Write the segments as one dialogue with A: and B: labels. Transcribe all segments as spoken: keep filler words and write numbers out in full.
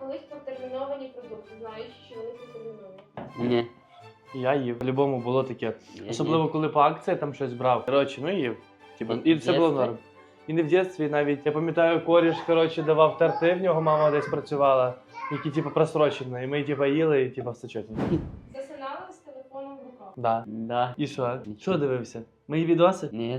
A: колись протерміновані продукти, знаючи, що вони протерміновані?
B: Ні.
C: Я їв. По-любому було таке.
B: Я
C: Особливо,
B: ні.
C: коли по акції там щось брав. Коротше, ну їв. Типа,
B: В
C: і все було
B: дєтстві?
C: норм. І не в дитинстві навіть. Я пам'ятаю, коріш, коротше, давав торти, в нього мама десь працювала, які, типу, просрочені. І ми, типу, їли, і, типу, все чотно.
A: Засинали з телефоном в руках.
C: Да.
B: Да.
C: І що?
B: Нічого.
C: Що дивився? Мої відоси?
B: Ні.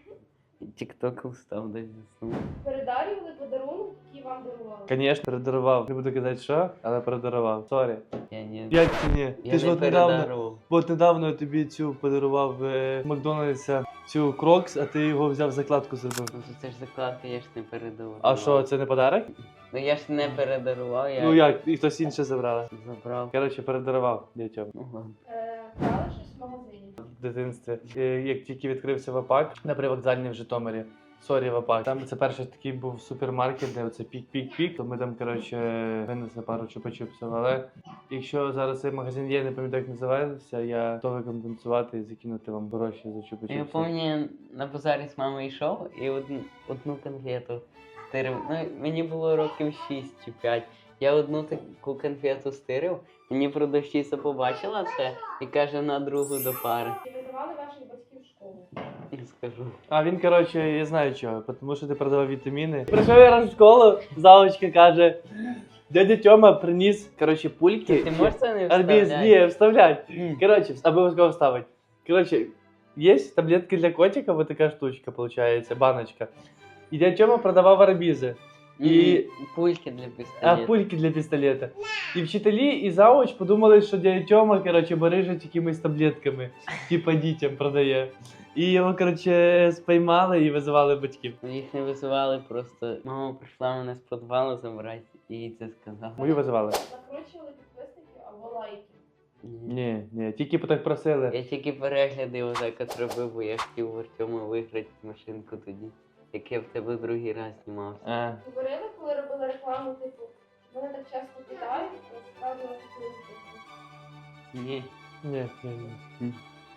B: Тік-ток устав десь заснув.
A: Передарювали подарунок, який вам дарували?
C: Звісно, передарував. Не буду казати, що, але передарував. Сорі.
B: Я ні.
C: Як це ні?
B: Я
C: Ти ж
B: не
C: от недавно,
B: передарував.
C: от недавно я тобі цю подарував е, Макдональдса, цю Крокс, а ти його взяв закладку зробив.
B: Ну то це ж закладка, я ж не передарував.
C: А що, це не подарок?
B: Ну я ж не передарував, я
C: Ну як, і хтось інше забрала.
B: забрав.
C: Коротше, передарував дітям
B: Ну ладно.
A: Е, Брали щось в магазині?
C: в дитинстві. Е, Як тільки відкрився ВАПАК на привокзальній в Житомирі. Сорі, ВАПАК. Там це перший такий був супермаркет, де оце пік-пік-пік. То ми там, коротше, винесли пару чупа-чупсів. Але якщо зараз цей магазин є, не пам'ятаю, як називається, я готовий компенсувати і закинути вам гроші за чупа-чупси.
B: Я пам'ятаю, на базарі з мамою йшов і одну, одну конфету стирив. Ну, мені було років шість чи п'ять. Я одну таку конфету стирив, мені продавщиця побачила це і каже на другу до пари.
A: Чи видавали ваших батьків в школу?
B: Не скажу.
C: А він, коротше, я знаю чого, тому що ти продавав вітаміни. Прийшов я раз в школу, завочка каже, дядя Тьома приніс, коротше, пульки.
B: Ти можеш це не
C: Арбіз,
B: вставляти?
C: ні, вставлять.
B: М.
C: Коротше, обов'язково вставить. Коротше, є таблетки для котика, вот така штучка, виходить, баночка. І дядя Тьома продавав арбізи. І-
B: М, Пульки для
C: А
B: пістолета.
C: пульки для пістолета. І вчителі, і завуч подумали, що дядя Тьома, коротше, барижить якимись таблетками, типа дітям продає. І його, коротше, спіймали і визивали батьків.
B: Їх не визивали, просто мама прийшла мене з підвалу забрати і їй це сказала.
C: Мою визивали.
A: Накручували підписників або лайки?
B: Ні.
C: Ні, ні, тільки так просили.
B: Я тільки перегляди отак от робив, бо я хотів в Артема виграти машинку тоді, як я в тебе другий раз знімався.
C: А.
A: Говорили, коли робили рекламу, типу, вони так часто питають, насправді вас хотіли запитати.
B: Ні.
C: Ні, ні, ні.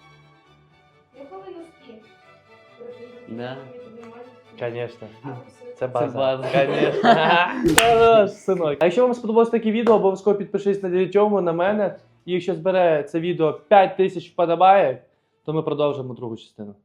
A: Нюхали носки?
B: Да.
C: Конечно.
A: А, все.
C: Це база.
B: база.
C: Конечно. Хорош, синок. А якщо вам сподобалось таке відео, обов'язково підпишись на дядю Тьому, на мене. І якщо збере це відео п'ять тисяч вподобає, то ми продовжимо другу частину.